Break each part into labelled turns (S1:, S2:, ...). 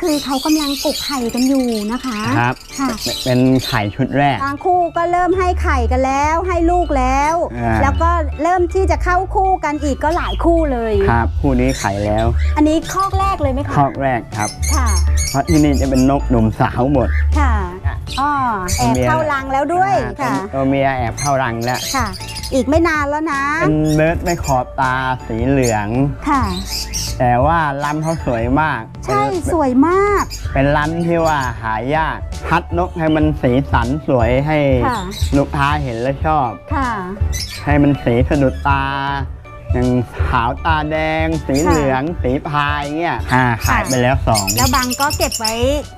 S1: คือเขากำลังกกไข่กันอยู่นะคะ
S2: ครับ
S1: ค่ะ
S2: เป็นไข่ชุดแรก
S1: บางคู่ก็เริ่มให้ไข่กันแล้วให้ลูกแล้วแล้วก็เริ่มที่จะเข้าคู่กันอีกก็หลายคู่เลย
S2: ครับคู่นี้ไข่แล้ว
S1: อันนี้คอกแรกเลยไหมคะ
S2: คอกแรกครับ
S1: ค่ะ
S2: เพราะที่นี่จะเป็นนกหนุ่มสาวหมด
S1: ค่ะอ๋อแอบเข้ารังแล้วด้วยค่ะ
S2: ตัวเมียแอบเข้ารังแล้ว
S1: ค่ะอีกไม่นานแล้วนะ
S2: เป็นเบิร์ดไม่ขอบตาสีเหลืองค่ะแต่ว่าลำเขาสวยมาก
S1: ใช่สวยมาก
S2: เป็นลำที่ว่าหายากพัดนกให้มันสีสันสวยให้ลูกค้าเห็นแล้วชอบค่ะให้มันสีสะดุดตาอย่างขาวตาแดงสีเหลืองสีพายเงี้ยขายไปแล้ว2
S1: แล้วบางก็เก็บไว้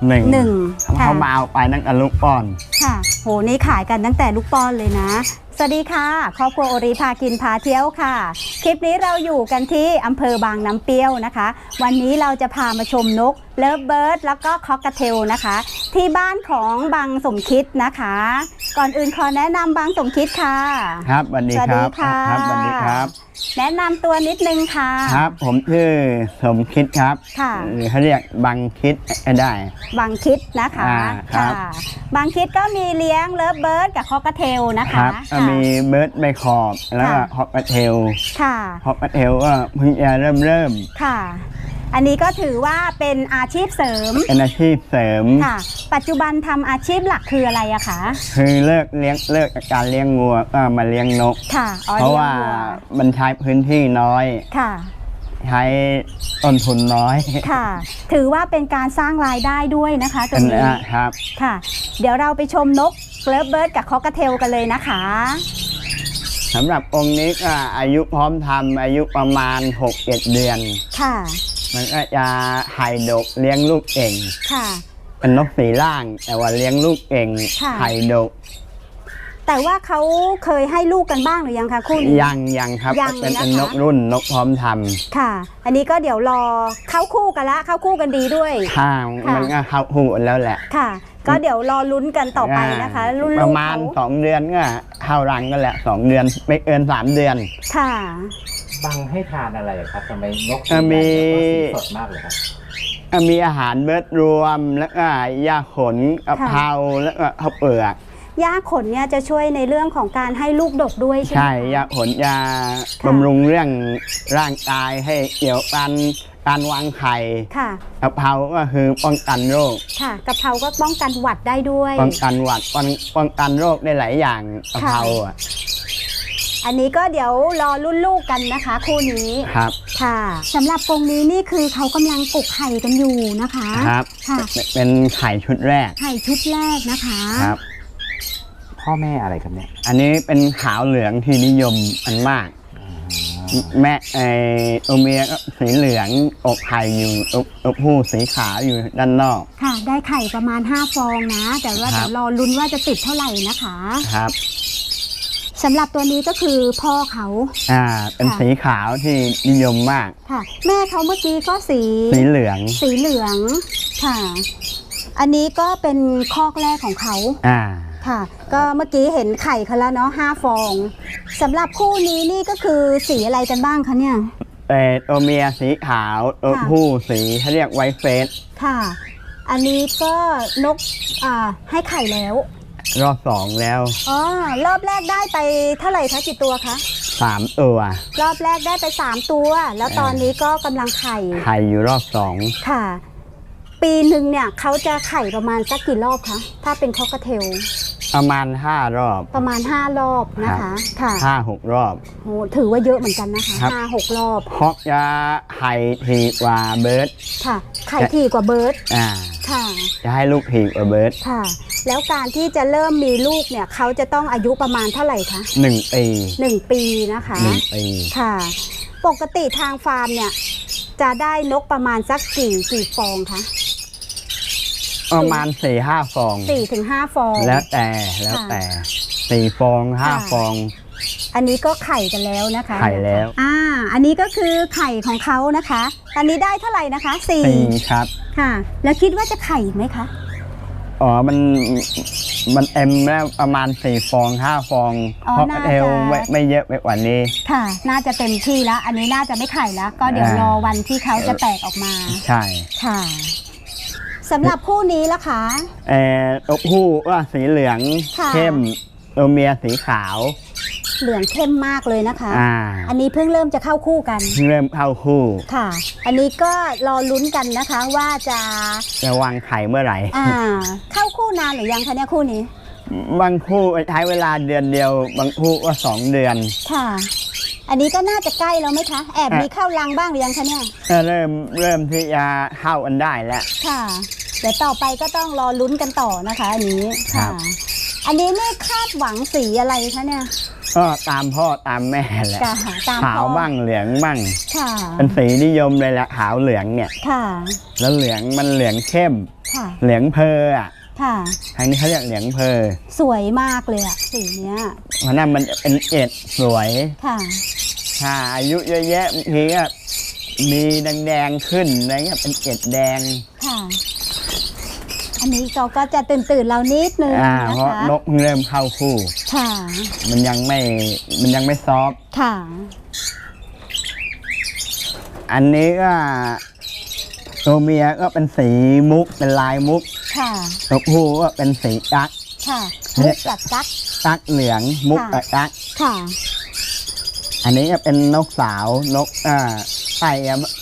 S1: 1
S2: เขามาเอาไปตั้งแต่ลูกป้อน
S1: ค่ะโหนี่ขายกันตั้งแต่ลูกป้อนเลยนะสวัสดีค่ะครอบครัวโอริพากินพาเที่ยวค่ะคลิปนี้เราอยู่กันที่อำเภอบางน้ำเปรี้ยวนะคะวันนี้เราจะพามาชมนกเลิฟเบิร์ดแล้วก็คอกเทลนะคะที่บ้านของบางสมคิดนะคะก่อนอื่นขอแนะนำบางสมคิดค่ะ
S2: ครับสวัสดีครับครับสวัสดีครับ
S1: แนะนำตัวนิดนึงค่ะ
S2: ครับผมชื่อสมคิดครับค่ะหรือเขาเรียกบางคิดก็ได้
S1: บางคิดนะคะค่ะบางคิดก็มีเลี้ยงเลิฟเบิร์ดกับคอกเทลนะคะ
S2: มีเบิร์ดใบขอบแล้วก็คอกเทลค่ะคอกเทลก็เพิ่งจะเริ่ม
S1: ค่ะอันนี้ก็ถือว่าเป็นอาชีพเสริม
S2: เป็นอาชีพเสริม
S1: ค่ะปัจจุบันทำอาชีพหลักคืออะไรอะคะ
S2: คือเลิกการเลี้ยงงัวก็มาเลี้ยงนก
S1: ค่ะ
S2: เพราะว่ามันใช้พื้นที่น้อยค่ะใช้ต้นทุนน้อย
S1: ค่ะถือว่าเป็นการสร้างรายได้ด้วยนะคะตรงนี้
S2: ครับ
S1: ค่ะเดี๋ยวเราไปชมนกเลิฟเบิร์ดกับคอกเทลกันเลยนะคะ
S2: สำหรับองค์นี้ก็อายุพร้อมทำอายุประมาณ 6-7 เดือนค่ะมันก็จะไข่ดกเลี้ยงลูกเก่งค่ะเป็นนกสีล่างแต่ว่าเลี้ยงลูกเก่งไข่ดก
S1: แต่ว่าเขาเคยให้ลูกกันบ้างหรือยังคะคู่นี้
S2: ยังครับเป็นนกรุ่นนกพร้อมทำ
S1: ค่ะอันนี้ก็เดี๋ยวรอเข้าคู่กันละเข้าคู่กันดีด้วย
S2: ค่ะมันก็เข้าคู่กันแล้วแหละ
S1: ค่ะก็เดี๋ยวรอลุ้นกันต่อไปนะคะรุ่น
S2: ประมาณ2 เดือนก็เข้ารังกันแหละ2 เดือนไม่เกิน3 เดือน
S1: ค่ะ
S3: บางให้ทานอะไรครับทำไมนก
S2: มี
S3: สดมากเลยครับ
S2: มีอาหารเบิร์ดรวมแล้วก็ยาขนกะเพราแล้วก็ข้าวเปลือก
S1: ยาขนเนี่ยจะช่วยในเรื่องของการให้ลูกดกด้วยใช่ไหม
S2: ใช่ยาขนยาบำรุงเรื่องร่างกายให้เกี่ยวกันการวางไข่กะเพราก็คือป้องกันโรค
S1: ค่ะกะเพราก็ป้องกันหวัดได้ด้วย
S2: ป้องกันหวัดป้องกันโรคได้หลายอย่างกะเพรา
S1: อันนี้ก็เดี๋ยวรอรุ่นลูกกันนะคะคู่นี้
S2: ครับ
S1: ค่ะสำหรับกรงนี้นี่คือเขากำลังกกไข่กันอยู่นะคะ
S2: ครับค่ะเป็นไข่ชุดแรก
S1: ไข่ชุดแรกนะคะ
S2: ครับ
S3: พ่อแม่อะไรครับเนี่ย
S2: อันนี้เป็นขาวเหลืองที่นิยมอันมากแม่ตัวเมียก็สีเหลืองอกไข่อยู่ตัวผู้สีขาวอยู่ด้านนอก
S1: ค่ะได้ไข่ประมาณ5 ฟองนะแต่ว่าเดี๋ยวรอลุ้นว่าจะติดเท่าไหร่นะคะ
S2: ครับ
S1: สำหรับตัวนี้ก็คือพ่อเขา
S2: เป็นสีขาวที่นิยมมาก
S1: ค่ะแม่เขาเมื่อกี้ก็สี
S2: เหลือง
S1: ค่ะอันนี้ก็เป็นคอกแรกของเขาค่ะก็เมื่อกี้เห็นไข่เขาแล้วเนาะ5 ฟองสำหรับคู่นี้นี่ก็คือสีอะไรกันบ้างคะเนี่ย
S2: ตัวเมียสีขาวตัวผู้สีเขาเรียกไวท์เฟส
S1: ค่ะอันนี้ก็นกให้ไข่แล้ว
S2: รอบ2แล้ว
S1: อ๋อรอบแรกได้ไปเท่าไหร่คะกี่ตัวคะ
S2: 3 ตัว
S1: รอบแรกได้ไป3 ตัวแล้วตอนนี้ก็กำลังไข่
S2: อยู่รอบ2
S1: ค่ะปีหนึ่งเนี่ยเขาจะไข่ประมาณสักกี่รอบคะถ้าเป็นคอกเทล
S2: ประมาณ5 รอบ
S1: ประมาณ5 รอบนะคะค่ะ
S2: 5-6 รอบ
S1: โหถือว่าเยอะเหมือนกันนะคะ5-6 รอบ
S2: คอกจะไข่ถี่กว่าเบิร์ด
S1: ค่ะไข่ถี่กว่าเบิร์ด
S2: ค่ะจะให้ลูกถี่กว่าเบิร์ด
S1: ค่ะแล้วการที่จะเริ่มมีลูกเนี่ยเขาจะต้องอายุประมาณเท่าไหร่คะ1 ปีนะคะ
S2: 1 ปี
S1: ค่ะปกติทางฟาร์มเนี่ยจะได้นกประมาณสักกี่ฟองคะ
S2: ประมาณ 4-5 ฟอง
S1: 4-5 ฟอง
S2: แล้วแต่4 ฟอง5 ฟอง
S1: อันนี้ก็ไข่กันแล้วนะคะ
S2: ไข่แล้ว
S1: อันนี้ก็คือไข่ของเขานะคะอันนี้ได้เท่าไหร่นะคะ4
S2: ครับ
S1: ค่ะแล้วคิดว่าจะไข่ไหมคะ
S2: มันเอ็มแล้วประมาณ4 ฟอง5 ฟองเพราะเอวไม่เยอะไปกว่านี้
S1: ค่ะน่าจะเต็มที่แล้วอันนี้น่าจะไม่ไข่แล้วก็เดี๋ยวรอวันที่เขาจะแตกออกมา
S2: ใช่
S1: ค่ะสำหรับคู่นี้ล่ะคะ
S2: ตัวผู้ว่าสีเหลือง
S1: ค่ะ
S2: เข้มตัวเมียสีขาว
S1: เหลืองเข้มมากเลยนะคะ
S2: อ่า
S1: อันนี้เพิ่งเริ่มจะเข้าคู่กัน
S2: เริ่มเข้าคู่
S1: ค่ะ อันนี้ก็รอลุ้นกันนะคะว่าจะ
S2: จะวางไข่เมื่อไหร่
S1: เข้าคู่นานหรือยังคะเนี่ยคู่นี้
S2: บางคู่ใช้เวลาเดือนเดียว บางคู่ก็2 เดือน
S1: ค่ะ อันนี้ก็น่าจะใกล้แล้วไหมคะ แอบมีเข้ารังบ้างหรือยังคะเนี่ย
S2: ก็เริ่มที่จะเข้ากันได้แล้ว
S1: ค่ะ เดี๋ยวต่อไปก็ต้องรอลุ้นกันต่อนะคะอันนี้
S2: ครั
S1: ค่ะ
S2: บ
S1: อันนี้ไม่คาดหวังสีอะไรคะเนี่ย
S2: ก็ตามพ่อตามแม่แหละ
S1: ค่ะตาม
S2: ขาว
S1: พ่อ
S2: บ้างเหลืองบ้าง
S1: ค่ะ
S2: เป็นสีนิยมเลยแหละขาวเหลืองเนี่ย
S1: ค่ะ
S2: แล้วเหลืองมันเหลืองเข้ม
S1: ค่ะ
S2: เหลืองเพออ่ะ
S1: ค่ะ
S2: ทางนี้เขาเรียกเหลืองเพอ
S1: สวยมากเลยอะสีเนี้ย
S2: เพราะนั้นมันจะเป็นเอ็ดสวย
S1: ค่ะ
S2: ถ้าอายุเยอะแยะบางทีก็มีแดงๆขึ้นอะไรเงี้ยเป็นเอ็ดแดง
S1: ค่ะ อันนี้เขาก็จะตื่นเรานิดนึง
S2: เพ
S1: นะ
S2: ราะ
S1: คะ
S2: นกเพิ่งเริ่มเข้าคู่
S1: ค่ะ
S2: มันยังไม่ซอฟต์
S1: ค่ะ
S2: อันนี้ก็ตัวเมียก็เป็นสีมุกเป็นลายมุก
S1: ค่ะ
S2: ตัวผู้ก็เป็นสีกั๊ก
S1: ค่ะมุกกับกั๊ก
S2: กั๊กเหลืองมุก
S1: ค่ะ
S2: กับกั๊ก
S1: ค่ะ
S2: อันนี้ก็เป็นนกสาวนกไก่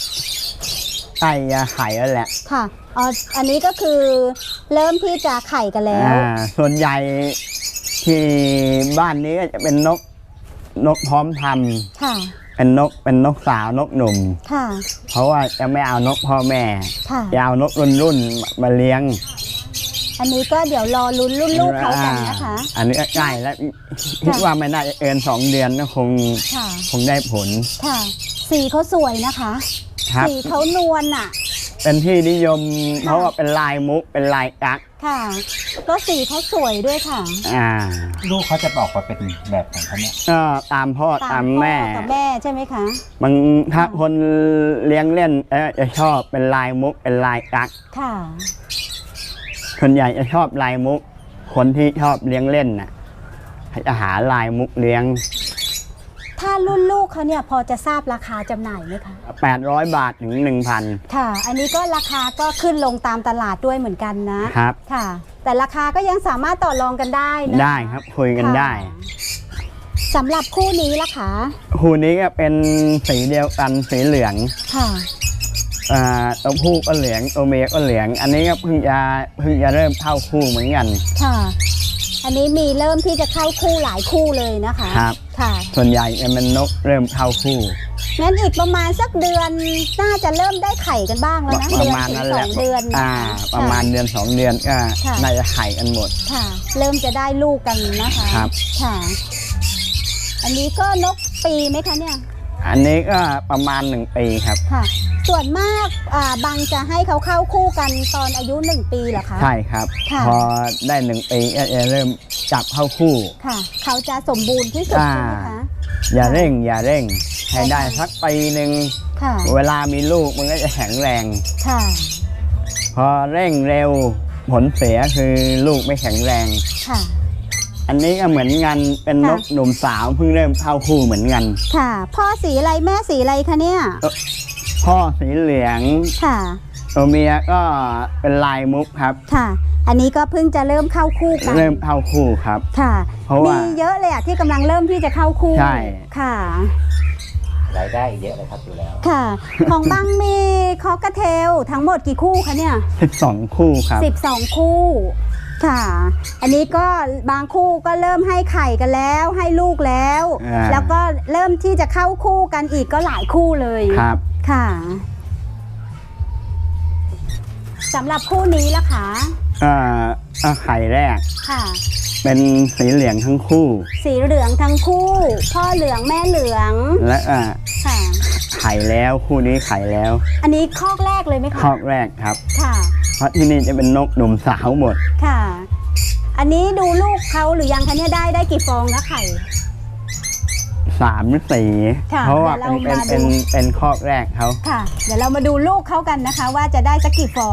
S2: ไข่แล้วแหละ
S1: ค่ะอ๋ออันนี้ก็คือเริ่มที่จะไข่กันแล้ว
S2: ส่วนใหญ่ที่บ้านนี้ก็จะเป็นนกพร้อมท
S1: ค่ะ
S2: ำเป็นนกสาวนกหนุ่ม
S1: ค่ะ
S2: เพราะว่าจะไม่เอานกพ่อแม่
S1: ค่ะ
S2: จะเอานกรุ่นมาเลี้ยง
S1: อันนี้ก็เดี๋ยวรอลุ้นรุ่นลูกเขากันนะคะ
S2: อันนี้ก็ใกล้แล้วคิดว่าไม่น่าจะเกิน2 เดือนก็คง
S1: ค่ะ
S2: ได้ผล
S1: ค่ะ สีเขาสวยนะคะ
S2: ครับ
S1: สีเขานวลอ่ะ
S2: เป็นที่นิยม เพราะว่าเป็นลายมุกเป็นลายกั๊ก
S1: ค่ะก็สีเขาสวยด้วยค่ะ
S3: ลูกเขาจะบอกว่าเป็นแบบของเขาเนี่ย
S2: ก็ตามพ่อตามแม่
S1: พ่อกับแม่ใช่ไหมคะ
S2: บางถ้าคนเลี้ยงเล่นจะชอบเป็นลายมุกเป็นลายกั๊ก
S1: ค่ะ
S2: ส่วนใหญ่จะชอบลายมุก คนที่ชอบเลี้ยงเล่นน่ะจะหาลายมุกเลี้ยง
S1: ถ้ารุ่นลูกเขาเนี่ยพอจะทราบราคาจำหน่ายไหมคะ
S2: 800 บาทถึง 1,000
S1: ค่ะ อันนี้ก็ราคาก็ขึ้นลงตามตลาดด้วยเหมือนกันนะครับ ค่ะ แต่ราคาก็ยังสามารถต่อรองกันได้นะ
S2: ได้ครับคุยกันได้
S1: ค่ะสำหรับคู่นี้ล่ะคะ
S2: คู่นี้ก็เป็นสีเดียวกันสีเหลือง
S1: ค่ะ
S2: ตัวผู้ก็เหลืองตัวเมียก็เหลือง อันนี้ก็เพิ่งจะเริ่มเข้าคู่เหมือนกัน
S1: ค่ะ อันนี้มีเริ่มที่จะเข้าคู่หลายคู่เลยนะคะ
S2: ครับ
S1: ค่ะ
S2: ส่วนใหญ่จะเป็นนกเริ่มเข้าคู่
S1: งั้นอีกประมาณสักเดือนน่าจะเริ่มได้ไข่กันบ้างแล้วนะ
S2: ประมาณ
S1: เดือน
S2: นั้น
S1: ถึง
S2: แห
S1: ส
S2: ละ
S1: องเดือน
S2: ประมาณเดือน 2 เดือนก็
S1: ค่ะ
S2: น่าจะไข่กันหมด
S1: ค่ะ เริ่มจะได้ลูกกันนะคะ
S2: ครับ
S1: ค่ะ อันนี้ก็นกปีไหมคะเนี่ย
S2: อันนี้ก็ประมาณ1 ปีครับ
S1: ค่ะ ส่วนมากบางจะให้เขาเข้าคู่กันตอนอายุ1 ปีเหรอคะ
S2: ใช่ครับ
S1: ค่ะ
S2: พอได้1 ปีก็จะเริ่มจับเข้าคู่
S1: ค่ะ เขาจะสมบูรณ์ที่สุดใช่ไหมคะ
S2: อย่าเร่งให้ได้สักปีหนึ่ง
S1: ค่ะ
S2: เวลามีลูกมันก็จะแข็งแรง
S1: ค่ะ
S2: พอเร่งเร็วผลเสียคือลูกไม่แข็งแรง
S1: ค่ะ
S2: อันนี้ก็เหมือนกันเป็นนก
S1: ค่ะ
S2: หนุ่มสาวเพิ่งเริ่มเข้าคู่เหมือนกัน
S1: ค่ะ พ่อสีอะไรแม่สีอะไรคะเนี่ย
S2: พ่อสีเหลือง
S1: ค่ะ
S2: ตัวเมียก็เป็นลายมุกครับ
S1: ค่ะ อันนี้ก็เพิ่งจะเริ่มเข้าคู่กัน
S2: เริ่มเข้าคู่ครับ
S1: ค่ะ
S2: เพราะว่า
S1: มีเยอะเลยอะที่กำลังเริ่มที่จะเข้าคู่
S2: ใช่
S1: ค่ะ
S3: รายได้เยอะเลยครับอยู่แล้ว
S1: ค่ะ ของบังมีคอกเทลทั้งหมดกี่คู่คะเนี่ย
S2: 12 คู่ครับ
S1: 12 คู่ ค่ะ อันนี้ก็บางคู่ก็เริ่มให้ไข่กันแล้วให้ลูกแล้ว แล้วก็เริ่มที่จะเข้าคู่กันอีกก็หลายคู่เลย
S2: ครับ
S1: ค่ะสำหรับคู่นี้ล่ะคะ
S2: ไข่แรก
S1: ค่ะ
S2: เป็นสีเหลืองทั้งคู่
S1: สีเหลืองทั้งคู่ พ่อเหลืองแม่เหลือง
S2: และ
S1: ค่ะ
S2: ไข่แล้วคู่นี้ไข่แล้ว
S1: อันนี้คอกแรกเลยไหมคะ
S2: คอกแรกครับ
S1: ค่ะ
S2: เพราะที่นี่จะเป็นนกหนุ่มสาวหมด
S1: ค่ะ อันนี้ดูลูกเขาหรือยังคะเนี่ยได้กี่ฟองนะไข่
S2: 3 หรือ
S1: ค่ะ
S2: 4เพราะว่า
S1: เดี๋ยวเรามาดู
S2: เป็นคอกแรกเขา
S1: ค่ะ เดี๋ยวเรามาดูลูกเขากันนะคะ ว่าจะได้สักกี่ฟอง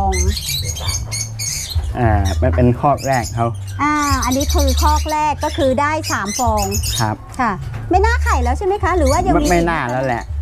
S2: มันเป็นคอกแรกเขา
S1: อันนี้คือคอกแรกก็คือได้3ฟอง
S2: ครับ
S1: ค่ะ ไม่น่าไข่แล้วใช่ไหมคะ หรือว่ายังมี
S2: ไม่น่าแล้วแหละ
S1: ค่ะ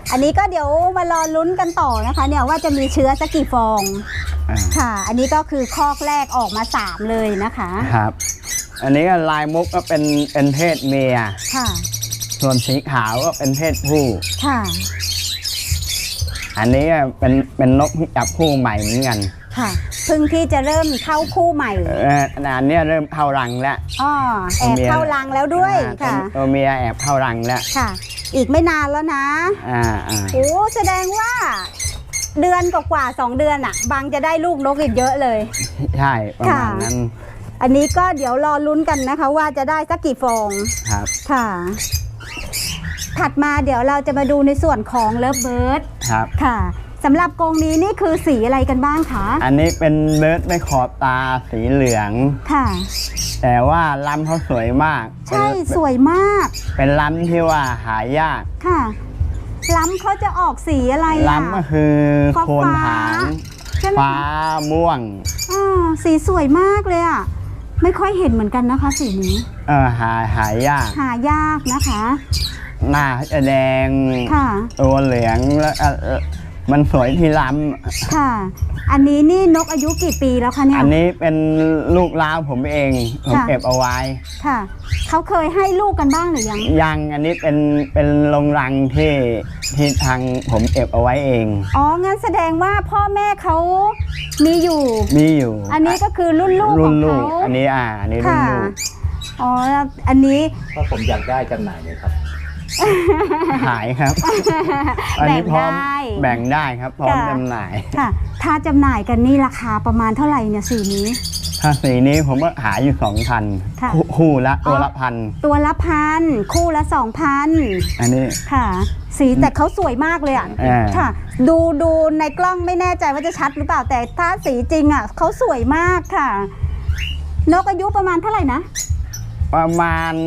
S1: อันนี้ก็เดี๋ยวมารอลุ้นกันต่อนะคะเนี่ยว่าจะมีเชื้อสักกี่ฟองค่ะ อันนี้ก็คือคอกแรกออกมา3เลยนะคะ
S2: ครับอันนี้ก็ลายมุกก็เป็นเพศเมีย
S1: ค่ะ
S2: ส่วนสีขาวก็เป็นเพศผู้
S1: ค่ะ
S2: อันนี้เป็นนกที่จับคู่ใหม่เหมือนกัน
S1: ค่ะเพิ่งที่จะเริ่มเข้าคู่ใหม่
S2: อันนี้เริ่มเข้ารังแล้ว
S1: แอบเข้ารังแล้วด้วยค่ะ
S2: ตัวเมียแอบเข้ารังแล้ว
S1: ค่ะอีกไม่นานแล้วนะโอ้แสดงว่าเดือนกว่า2 เดือนอ่ะบางจะได้ลูกนกอีกเยอะเลย
S2: ใช่ประมาณนั้น
S1: อันนี้ก็เดี๋ยวรอลุ้นกันนะคะว่าจะได้สักกี่ฟอง
S2: ครับ
S1: ค่ะถัดมาเดี๋ยวเราจะมาดูในส่วนของเลิฟเบิร์ด
S2: ครับ
S1: ค่ะสำหรับกรงนี้นี่คือสีอะไรกันบ้างคะ
S2: อันนี้เป็นเบิร์ดไม่ขอบตาสีเหลือง
S1: ค่ะ
S2: แต่ว่าลำเขาสวยมาก
S1: ใช่สวยมาก
S2: เป็นลำที่ว่าหายาก
S1: ค่ะลำเขาจะออกสีอะไร
S2: ลำก็คือโคนหางฟ้าม่วง
S1: สีสวยมากเลยอ่ะไม่ค่อยเห็นเหมือนกันนะคะสีนี้
S2: หาย
S1: ากนะคะ
S2: หน้าจะแดงตัวเหลืองแล้วมันสวยที่ล้
S1: ำค่ะอันนี้นี่นกอายุกี่ปีแล้วคะเนี่ย
S2: อันนี้เป็นลูกล้าวผมเองผมเก็บเอาไว้
S1: ค่ะเขาเคยให้ลูกกันบ้างหรือ
S2: ยังอันนี้เป็นโรงรังที่ทางผมเก็บเอาไว้เอง
S1: งั้นแสดงว่าพ่อแม่เขามีอยู่อันนี้ก็คือรุ่นลูกของเขา
S2: อันนี้รุ่นลูก
S1: อันนี้
S3: ก็ผมอยากได้จำหน่ายเลยครับ
S2: ขายครับอันนี้พร้อมแบ่งได้ครับพร้อมจำหน่าย
S1: ค่ะถ้าจำหน่ายกันนี่ราคาประมาณเท่าไหร่เนี่ยสีนี้
S2: ถ้าสีนี้ผมก็หาอยู่ 2,000 คู่ละตัวละ1,000
S1: ตัวละ1,000คู่ละ 2,000
S2: อันนี้
S1: ค่ะสีแต่เขาสวยมากเลยอ่ะค่ะดูในกล้องไม่แน่ใจว่าจะชัดหรือเปล่าแต่ถ้าสีจริงอ่ะเขาสวยมากค่ะนกอายุประมาณเท่าไหร่นะ
S2: ประมาณ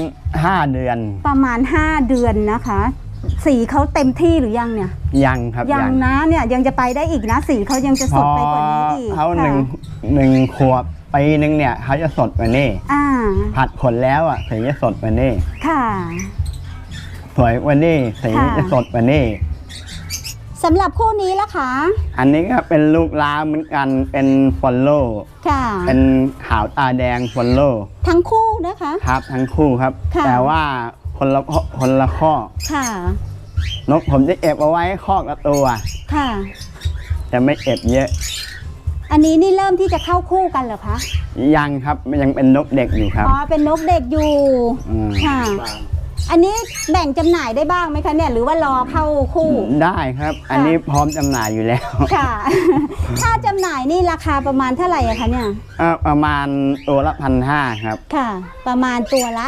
S2: 5 เดือน
S1: ประมาณ5 เดือนนะคะสีเขาเต็มที่หรือยังเนี่ย
S2: ยังครับ
S1: ยังนะเนี่ยยังจะไปได้อีกนะสีเขายังจะสดไปกว่านี้อีก
S2: เขาหนึ่งขวบปีนึงเนี่ยเขาจะสดกว่านี้ผัดขนแล้วอ่ะสีจะสดกว่านี้
S1: ค่ะ
S2: สวยกว่านี้สีจะสดกว่านี้
S1: สำหรับคู่นี้ล่ะคะ
S2: อันนี้ก็เป็นลูกล้าเหมือนกันเป็นฟอลโล่
S1: ค่ะ
S2: เป็นขาวตาแดงฟอลโล่
S1: ทั้งคู่นะคะ
S2: ครับทั้งคู่ครับแต่ว่าคนละข้อ
S1: ค่ะ
S2: นกผมจะเก็บเอาไว้ข้อละตัว
S1: ค่ะ
S2: จะไม่เก็บเยอะ
S1: อันนี้นี่เริ่มที่จะเข้าคู่กันเหรอคะ
S2: ยังครับยังเป็นนกเด็กอยู่ครับ
S1: เป็นนกเด็กอยู่ค่ะอันนี้แบ่งจำหน่ายได้บ้างไหมคะเนี่ยหรือว่ารอเข้าคู่
S2: ได้ครับอันนี้พร้อมจำหน่ายอยู่แล้ว
S1: ค่ะถ้าจำหน่ายนี่ราคาประมาณเท่าไหร่คะเนี่ย
S2: ประมาณตัวละ1,500ครับ
S1: ค่ะประมาณตัวละ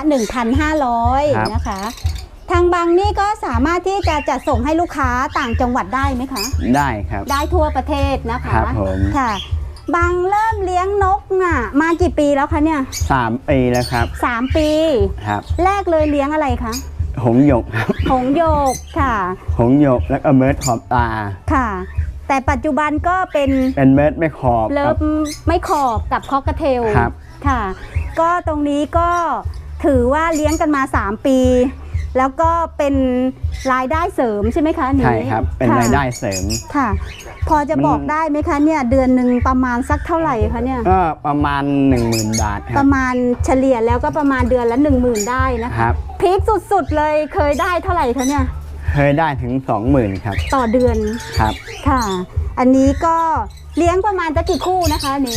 S1: 1,500 นะคะทางบางนี่ก็สามารถที่จะจัดส่งให้ลูกค้าต่างจังหวัดได้ไหมคะ
S2: ได้ครับ
S1: ได้ทั่วประเทศนะคะ
S2: ครับผม
S1: ค่ะบางเริ่มเลี้ยงนกมากี่ปีแล้วคะเนี่ย
S2: 3 ปีแล้วครับ
S1: 3 ปี
S2: ครับ
S1: แรกเลยเลี้ยงอะไรคะ
S2: หงส์หยกครับ
S1: หงส์หยกค่ะ
S2: หงส์หยกแล้วก็เบิร์ดขอบตา
S1: ค่ะแต่ปัจจุบันก็เป็น
S2: เบิร์ดไม่ขอบ
S1: เลิฟไม่ขอบกับคอกเทล
S2: ครับ
S1: ค่ะก็ตรงนี้ก็ถือว่าเลี้ยงกันมา3 ปีแล้วก็เป็นรายได้เสริมใช่ไหมคะ
S2: ใช่ครับเป็นรายได้เสริม
S1: ค่ะพอจะบอกได้ไหมคะเนี่ยเดือนหนึ่งประมาณสักเท่าไหร่คะเนี่ย
S2: ก็ประมาณ 10,000 บาทครับ
S1: ประมาณเฉลี่ยแล้วก็ประมาณเดือนละ 10,000ได้นะคะพีคสุดๆเลยเคยได้เท่าไหร่คะเนี่ย
S2: เคยได้ถึง 20,000ครับ
S1: ต่อเดือน
S2: ครับ
S1: ค่ะอันนี้ก็เลี้ยงประมาณจะกี่คู่นะคะนี้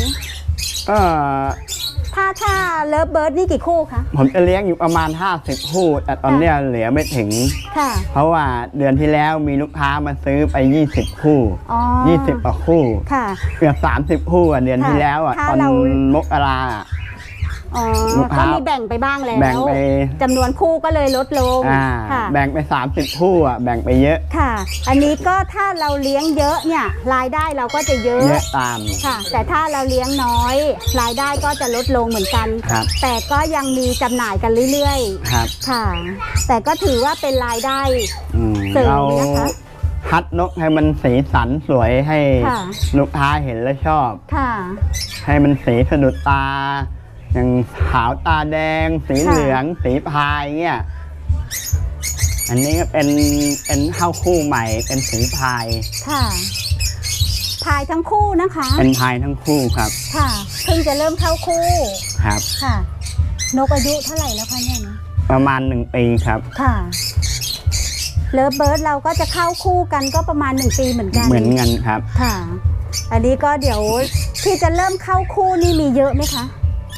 S1: ถ้าเลิฟเบิร์ดนี่กี่คู่คะ
S2: ผมจะเลี้ยงอยู่ประมาณ50 คู่แต่ตอนนี้เหลือไม่ถึงเพราะว่าเดือนที่แล้วมีลูกค้ามาซื้อไป20 คู่20 กว่าคู่เกือบ30 คู่เดือนที่แล้วตอนมกรา
S1: ก็มีแบ่งไปบ้างแล้ว
S2: แบ่งไป
S1: จำนวนคู่ก็เลยลดลง
S2: แบ่งไป30 คู่แบ่งไปเยอะ
S1: ค่ะอันนี้ก็ถ้าเราเลี้ยงเยอะเนี่ยรายได้เราก็จะเยอะ
S2: ตาม
S1: ค่ะแต่ถ้าเราเลี้ยงน้อยรายได้ก็จะลดลงเหมือนกันแต่ก็ยังมีจำหน่ายกันเรื่อยๆค่ะแต่ก็ถือว่าเป็นรายได้เสริมนะคะ
S2: คัดนกให้มันสีสันสวยให้ลูกค้าเห็นแล้วชอบให้มันสีสะดุดตาอย่างขาวตาแดงสีเหลืองสีพายเงี้ยอันนี้ก็เป็นเข้าคู่ใหม่เป็นสีพาย
S1: ค่ะพายทั้งคู่นะคะ
S2: เป็นพายทั้งคู่ครับ
S1: ค่ะเพิ่งจะเริ่มเข้าคู่
S2: ครับ
S1: ค่ะ นกอายุเท่าไหร่แล้วคะเนี่ยนะ
S2: ประมาณ1 ปีครับ
S1: ค่ะเลิฟเบิร์ดเราก็จะเข้าคู่กันก็ประมาณ1 ปีเหมือนกัน
S2: เหมือนกันครับ
S1: ค่ะ อันนี้ก็เดี๋ยวที่จะเริ่มเข้าคู่นี่มีเยอะไหมคะ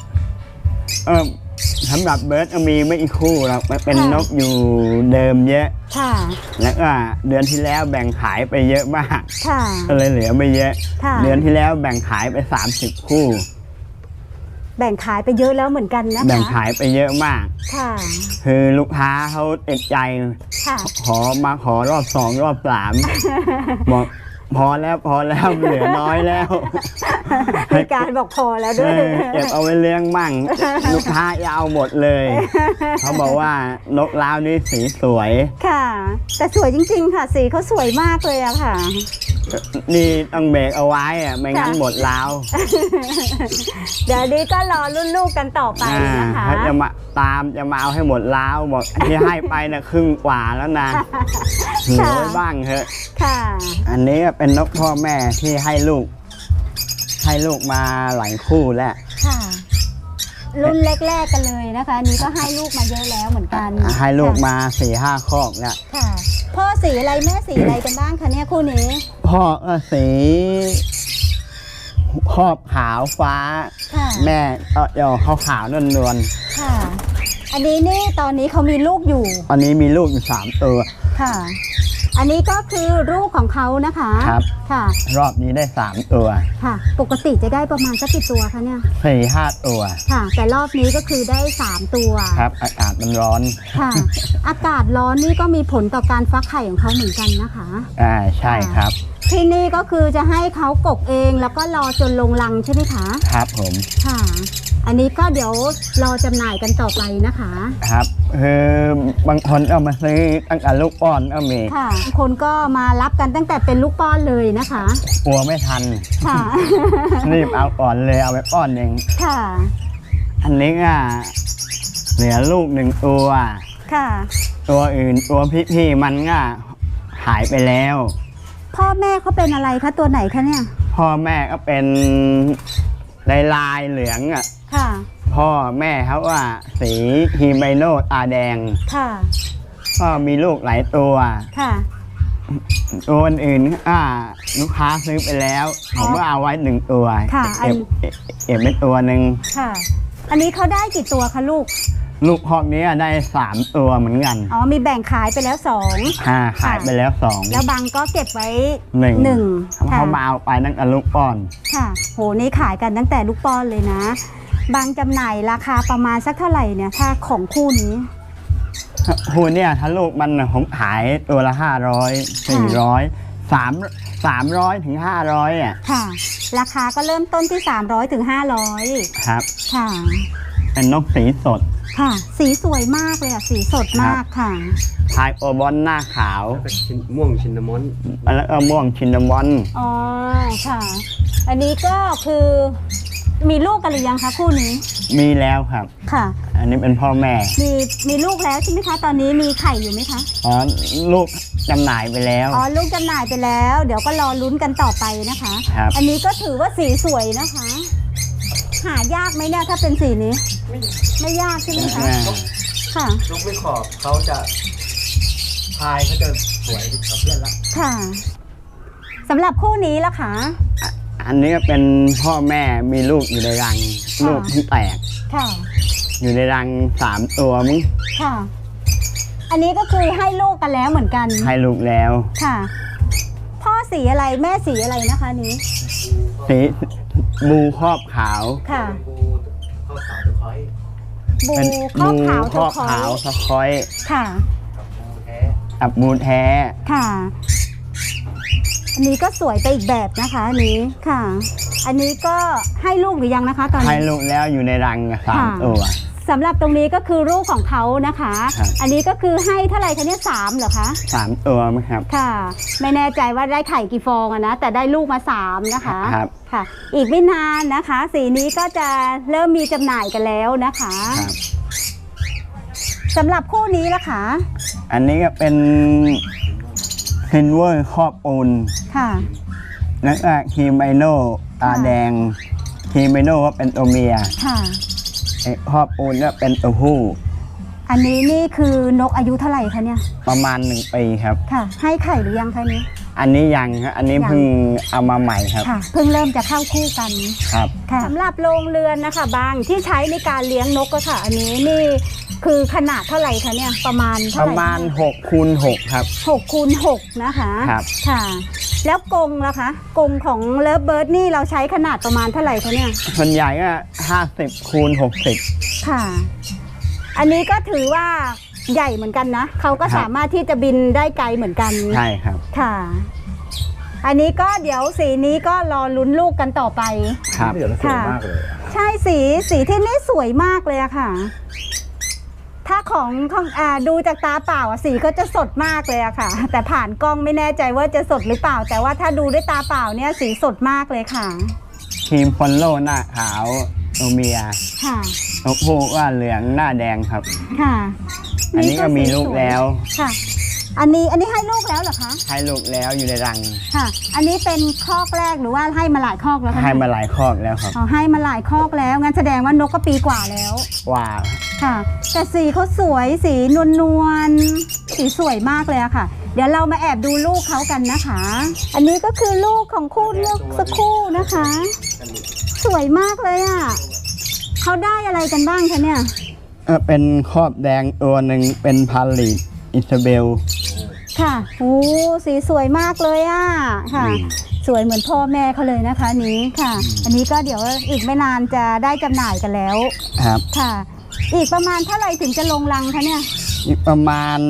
S2: สำหรับเบิร์ดก็มีไม่อีกคู่หรอกมันเป็น
S1: ค่ะ
S2: นกอยู่เดิมเยอะ
S1: ค่ะ
S2: แล้วก็เดือนที่แล้วแบ่งขายไปเยอะมาก
S1: ค่ะ
S2: ก็เลยเหลือไม่เยอะ
S1: ค่ะ
S2: เดือนที่แล้วแบ่งขายไป30 คู่
S1: แบ่งขายไปเยอะแล้วเหมือนกันนะคะ
S2: แบ่งขายไปเยอะมาก
S1: ค่ะ
S2: คือลูกค้าเขาติดใจ
S1: ค่ะ
S2: ขอรอบ 2 รอบ 3 บอกพอแล้วเหลือน้อยแล้ว
S1: มีการบอกพอแล้วด้วย
S2: เก็บเอาไว้เลี้ยงมั่ง ลูกค้าจะเอาหมดเลย เขาบอกว่านกล้าวนี่สีสวย
S1: ค่ะ แต่สวยจริงๆค่ะ สีเขาสวยมากเลยอะค่ะ
S2: นี่ต้องเบรกเอาไว้อะไม่งั้น
S1: ค่ะ
S2: หมดล้าว
S1: เดี๋ยวนี้ก็รอรุ่นลูกกันต่อไปนะคะ
S2: เขาจะมาเอาให้หมดล้าวบอกที่ให้ไปนะครึ่งกว่าแล้วนะเหลือไว้บ้างเถอะ
S1: ค่ะ
S2: อันนี้ก็เป็นนกพ่อแม่ที่ให้ลูกมาหลายคู่แล้ว
S1: ค่ะ รุ่นแรกๆกันเลยนะคะอันนี้ก็ให้ลูกมาเยอะแล้วเหมือนกัน
S2: ให้ลูก
S1: ค่ะ
S2: มา4-5 คอกแล้ว
S1: ค่ะ พ่อสีอะไรแม่สีอะไรกันบ้างคะเนี่ยคู่นี้
S2: พ่อก็สีครอบขาวฟ้า
S1: ค่ะ
S2: แม่ก็ยอขาวๆนวล
S1: ค่ะ อันนี้นี่ตอนนี้เขามีลูกอยู่
S2: ๆอันนี้มีลูกอยู่3 ตัว
S1: ค่ะ อันนี้ก็คือลูกของเขานะคะ
S2: ครับ
S1: ค่ะ
S2: รอบนี้ได้3 ตัว
S1: ค่ะ ปกติจะได้ประมาณสักกี่ตัวคะเนี่ย
S2: 4-5 ตัว
S1: ค่ะ แต่รอบนี้ก็คือได้3 ตัว
S2: ครับอากาศมันร้อน
S1: ค่ะ อากาศร้อนนี่ก็มีผลต่อการฟักไข่ของเขาเหมือนกันนะคะ
S2: ใช่ครับ
S1: ที่นี่ก็คือจะให้เขากกเองแล้วก็รอจนลงรังใช่ไหมคะ
S2: ครับผม
S1: ค่ะ อันนี้ก็เดี๋ยวรอจำหน่ายกันต่อไปนะคะ
S2: ครับคือบางคนเอามาซื้อตั้งแต่ลูกป้อนก็มี
S1: ค่ะบางคนก็มารับกันตั้งแต่เป็นลูกป้อนเลยนะคะ
S2: กลัวไม่ทัน
S1: ค่ะ
S2: รีบเอาก่อนเลยเอาไปป้อนเอง
S1: ค่ะ
S2: อันนี้ก็เหลือลูก1 ตัว
S1: ค่ะ
S2: ตัวอื่นตัวพี่ๆมันก็หายไปแล้ว
S1: พ่อแม่เขาเป็นอะไรคะตัวไหนคะเนี่ย
S2: พ่อแม่ก็เป็นลายเหลืองอ่ะ
S1: ค่ะ
S2: พ่อแม่เขาว่าสีฮีไมโนตาแดง
S1: ค่ะ
S2: ก็มีลูกหลายตัว
S1: ค่ะ
S2: ตัวอื่นลูกค้าซื้อไปแล้ว ผมก็เอาไว้1 ตัว
S1: ค่ะ
S2: เก็บไว้ตัวหนึ่ง
S1: ค่ะ อันนี้เขาได้กี่ตัวคะลูก
S2: ลูกพอกนี้ได้3 ตัวเหมือนกัน
S1: อ๋อ มีแบ่งขายไปแล้ว2
S2: ขายไปแล้ว2
S1: แล้วบางก็เก็บไว้
S2: 1
S1: 1
S2: เขามาเอาไปตั้งแต่ลูกป้อน
S1: ค่ะ โห นี่ขายกันตั้งแต่ลูกป้อนเลยนะ บางจำหน่ายราคาประมาณสักเท่าไหร่เนี่ย ถ้าของคู่นี้
S2: คูเนี่ยถ้าลูกมันผมขายตัวละ500 400 300ถึง500อ่ะ
S1: ค่ะ ราคาก็เริ่มต้นที่300ถึง500
S2: ครับ
S1: ค่ะ
S2: เป็นนกสีสด
S1: ค่ะ สีสวยมากเลยอ่ะ สีสดมากค่ะ
S2: พายโอบอนหน้าขาว
S3: แล้วก็ม่วงชินนามอน
S2: แล้วก็ม่วงชินนามอน
S1: อ๋อ ค่ะ อันนี้ก็คือมีลูกกันหรือยังคะคู่นี้
S2: มีแล้วครับ
S1: ค่ะ
S2: อันนี้เป็นพ่อแม่
S1: มีลูกแล้วใช่ไหมคะ ตอนนี้มีไข่อยู่ไหมคะ
S2: อ๋อลูกจำหน่ายไปแล้ว
S1: อ๋อ ลูกจำหน่ายไปแล้ว เดี๋ยวก็รอลุ้นกันต่อไปนะคะ
S2: ครับ
S1: อันนี้ก็ถือว่าสีสวยนะคะ หายากไหมเนี่ยถ้าเป็นสีนี้ ไม่ยากใช่ไหมคะ ค่ะ
S3: นกไม่ขอบเขาจะพายเขาจะสวยกับเพื่อนละ
S1: ค่ะสำหรับคู่นี้ล่ะคะ
S2: อันนี้ก็เป็นพ่อแม่มีลูกอยู่ในรัง
S1: ค่ะ
S2: ลูกที่แตก
S1: ค่ะ
S2: อยู่ในรัง3 ตัวมั้ง
S1: ค่ะ อันนี้ก็คือให้ลูกกันแล้วเหมือนกัน
S2: ให้ลูกแล้ว
S1: ค่ะ พ่อสีอะไรแม่สีอะไรนะคะนี้
S2: สีบูครอบขาว
S1: ค่ะ
S3: บูข้าวขาวตะไคร้
S1: บู
S2: เป็น
S1: ครอบขาว
S2: ครอบขาว
S1: ตะ
S2: สะคอย
S1: ค่ะ
S3: กับบูแท้
S2: กับมูแท้
S1: ค่ะ อันนี้ก็สวยไปอีกแบบนะคะอันนี้ค่ะ อันนี้ก็ให้ลูกหรือยังนะคะ ตอน
S2: ให้
S1: นี้
S2: ลูกแล้วอยู่ในรัง
S1: ค่ะ
S2: 3 ตัว
S1: สำหรับตรงนี้ก็คือลูกของเขานะคะ
S2: ครับ
S1: อันนี้ก็คือให้เท่าไหร่คะเนี่ย3เหรอคะ
S2: 3 ตัวมั้งครับ
S1: ค่ะ ไม่แน่ใจว่าได้ไข่กี่ฟองอะนะ แต่ได้ลูกมา3นะคะ
S2: ครับ
S1: ค่ะ อีกไม่นานนะคะ สีนี้ก็จะเริ่มมีจำหน่ายกันแล้วนะคะ
S2: ครับ
S1: สำหรับคู่นี้ล่ะคะ
S2: อันนี้ก็เป็นซิลเวอร์ครอบปูน
S1: ค่ะ
S2: แล้วก็คีไมโนตาแดงคีไมโนก็เป็นตัวเมีย
S1: ค่ะ
S2: ไอ้ครอบปูนก็เป็นตัวผู้
S1: อันนี้นี่คือนกอายุเท่าไหร่คะเนี่ย
S2: ประมาณ1 ปีครับ
S1: ค่ะ ให้ไข่หรือยังคะนี้
S2: อันนี้ยังครับอันนี้เพิ่งเอามาใหม่ครับ
S1: ค่ะ เพิ่งเริ่มจะเข้าคู่กัน
S2: ครับ
S1: ค่ะสำหรับโรงเรือนนะคะบางที่ใช้ในการเลี้ยงนกก็ค่ะ อันนี้นี่คือขนาดเท่าไหร่คะเนี่ยประมาณ
S2: ป
S1: เท่า
S2: ระ
S1: ไหร่
S2: มาณ6 คูณ 6ครับ
S1: 6 คูณ 6นะคะ
S2: ครับ
S1: ค่ะ แล้วกรงล่ะคะกรงของเลิฟเบิร์ดนี่เราใช้ขนาดประมาณเท่าไหร่คะเนี่ย
S2: ส่วนใหญ่ก็50 คูณ 60
S1: ค่ะ อันนี้ก็ถือว่าใหญ่เหมือนกันนะเขาก็
S2: ครับ
S1: สามารถที่จะบินได้ไกลเหมือนกัน
S2: ใช่ครับ
S1: ค่ะ อันนี้ก็เดี๋ยวสีนี้ก็รอลุ้นลูกกันต่อไป
S2: ครับ
S3: เดี๋ยวเราสวยมากเลย
S1: ใช่สีที่นี่สวยมากเลยอะค่ะ ถ้าของดูจากตาเปล่าอะสีก็จะสดมากเลยอะค่ะ แต่ผ่านกล้องไม่แน่ใจว่าจะสดหรือเปล่า แต่ว่าถ้าดูด้วยตาเปล่าเนี่ยสีสดมากเลยค่ะ
S2: ทีมฟอนโลหน้าขาวตัวเมีย
S1: ค่ะ
S2: ตัวผู้ก็เหลืองหน้าแดงครับ
S1: ค่ะ
S2: อันนี้ก็มีลูกแล้ว
S1: ค่ะ อันนี้ให้ลูกแล้วเหรอคะ
S2: ให้ลูกแล้วอยู่ในรัง
S1: ค่ะ อันนี้เป็นคอกแรกหรือว่าให้มาหลายคอกแล้วคะ
S2: ให้มาหลายคอกแล้วครับ
S1: อ๋อให้มาหลายคอกแล้วงั้นแสดงว่านกก็ปีกว่าแล้ว
S2: ว่า
S1: ค่ะ แต่สีเขาสวยสีนวลๆสีสวยมากเลยอะค่ะ เดี๋ยวเรามาแอบดูลูกเขากันนะคะ อันนี้ก็คือลูกของคู่เลือกสักคู่นะคะ สวยมากเลยอะเขาได้อะไรกันบ้างคะเนี่ย
S2: เป็นครอบแดงตัวหนึ่งเป็นพาลิตอิซาเบล
S1: ค่ะโอ้สีสวยมากเลยอะค่ะ สวยเหมือนพ่อแม่เขาเลยนะคะนี้ค่ะ อันนี้ก็เดี๋ยวอีกไม่นานจะได้จำหน่ายกันแล้ว
S2: ครับ
S1: ค่ะ อีกประมาณเท่าไหร่ถึงจะลงรังคะเนี่ย
S2: อีกประมาณ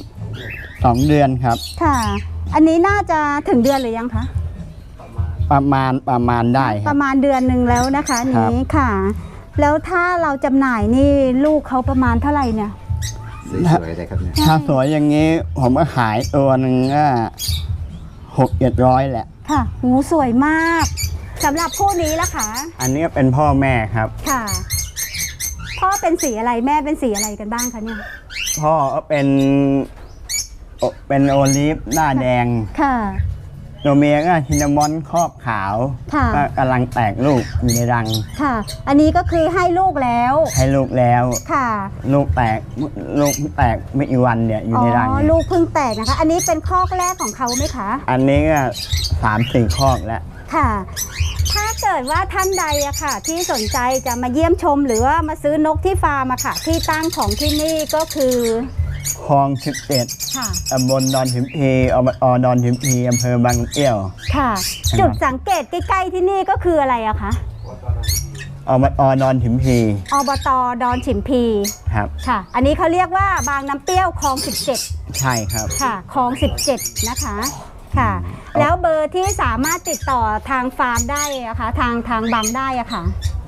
S2: 2 เดือนครับ
S1: ค่ะ อันนี้น่าจะถึงเดือนหรือยังคะ
S2: ประมาณได้ค
S1: ป
S2: รับ
S1: ระมาณเดือนหนึ่งแล้วนะคะ
S2: ครับ
S1: นี้ค่ะ แล้วถ้าเราจำหน่ายนี่ลูกเขาประมาณเท่าไหร่เนี่ย
S3: สวยเลยครับเนี่ย
S2: ถ้าสวยอย่างนี้ผมก็ขายตัวหนึ่งก็600-700แหละ
S1: ค่ะหูสวยมากสำหรับคู่นี้ละค่ะ
S2: อันนี้ก็เป็นพ่อแม่ครับ
S1: ค่ะ พ่อเป็นสีอะไรแม่เป็นสีอะไรกันบ้างคะเนี่ย
S2: พ่อก็เป็นโอลิฟหน้าแดง
S1: ค่ะ
S2: ตัวเมียก็ชินนามอนครอบขาว
S1: ค่ะ
S2: ก็กำลังแตกลูกอยู่ในรัง
S1: ค่ะ อันนี้ก็คือให้ลูกแล้ว
S2: ให้ลูกแล้ว
S1: ค่ะ
S2: ลูกแตกไม่กี่วันเนี่ยอยู่ในรัง
S1: อ๋อ
S2: เนี่ย
S1: ลูกเพิ่งแตกนะคะ อันนี้เป็นคอกแรกของเขาไหมคะ
S2: อันนี้ก็3-4 คอกแล้ว
S1: ค่ะ ถ้าเกิดว่าท่านใดอะค่ะ ที่สนใจจะมาเยี่ยมชมหรือว่ามาซื้อนกที่ฟาร์มอะค่ะ ที่ตั้งของที่นี่ก็คือ
S2: คลอง11
S1: ค่ะ
S2: ตำบลดอนหิมพีอบตดอนหิมพีอำเภอบางเอี้ยว
S1: ค่ะ จุดสังเกตใกล้ๆที่นี่ก็คืออะไรอะคะ
S2: อบตดอนหิมพี
S1: อบตดอนฉิมพี
S2: ครับ
S1: ค่ะ อันนี้เขาเรียกว่าบางน้ำเปรี้ยวคลอง
S2: ใช่ครับ
S1: 17 ค่ะคลอง 17 นะคะ ค่ะ แล้วเบอร์ที่สามารถติดต่อทางฟาร์มได้อะคะทางบางได้อะค่ะ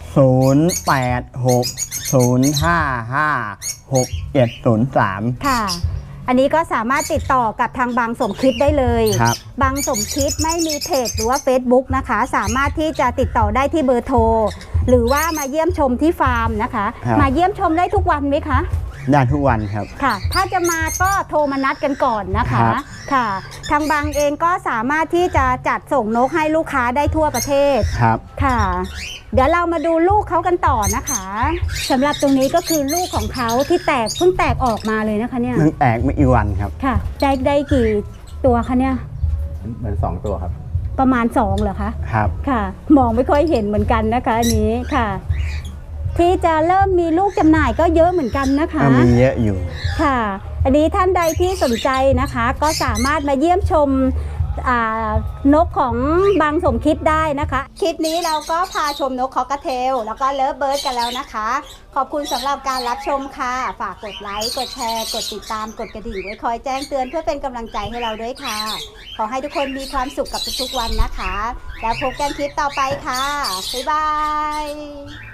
S2: 0860556703
S1: ค่ะ อันนี้ก็สามารถติดต่อกับทางบางสมคิดได้เลย
S2: ครับ
S1: บางสมคิดไม่มีเพจหรือว่า Facebook นะคะ สามารถที่จะติดต่อได้ที่เบอร์โทร หรือว่ามาเยี่ยมชมที่ฟาร์มนะคะ
S2: ครับ
S1: มาเยี่ยมชมได้ทุกวันไหมคะ
S2: ได้ทุกวันครับ
S1: ค่ะ ถ้าจะมาก็โทรมานัดกันก่อนนะคะ
S2: ครับ
S1: ค่ะ ทางบางเองก็สามารถที่จะจัดส่งนกให้ลูกค้าได้ทั่วประเทศ
S2: ครับ
S1: ค่ะ เดี๋ยวเรามาดูลูกเขากันต่อนะคะสำหรับตรงนี้ก็คือลูกของเขาที่เพิ่งแตกออกมาเลยนะคะเนี่ย
S2: เพิ่งแตกไม่กี่วันครับ
S1: ค่ะ ได้กี่ตัวคะเนี่ย
S3: เหมือน2 ตัวครับ
S1: ประมาณ2เหรอคะ
S2: ครับ
S1: ค่ะ มองไม่ค่อยเห็นเหมือนกันนะคะอันนี้ค่ะ ที่จะเริ่มมีลูกจำหน่ายก็เยอะเหมือนกันนะคะ
S2: ก็มีเยอะอยู่
S1: ค่ะ อันนี้ท่านใดที่สนใจนะคะ ก็สามารถมาเยี่ยมชมนกของบางสมคิดได้นะคะ คลิปนี้เราก็พาชมนกคอกเทลแล้วก็เลิฟเบิร์ดกันแล้วนะคะ ขอบคุณสำหรับการรับชมค่ะ ฝากกดไลค์ กดแชร์ กดติดตาม กดกระดิ่งไว้คอยแจ้งเตือนเพื่อเป็นกำลังใจให้เราด้วยค่ะ ขอให้ทุกคนมีความสุขกับทุกๆวันนะคะ แล้วพบกันคลิปต่อไปค่ะ บ๊ายบาย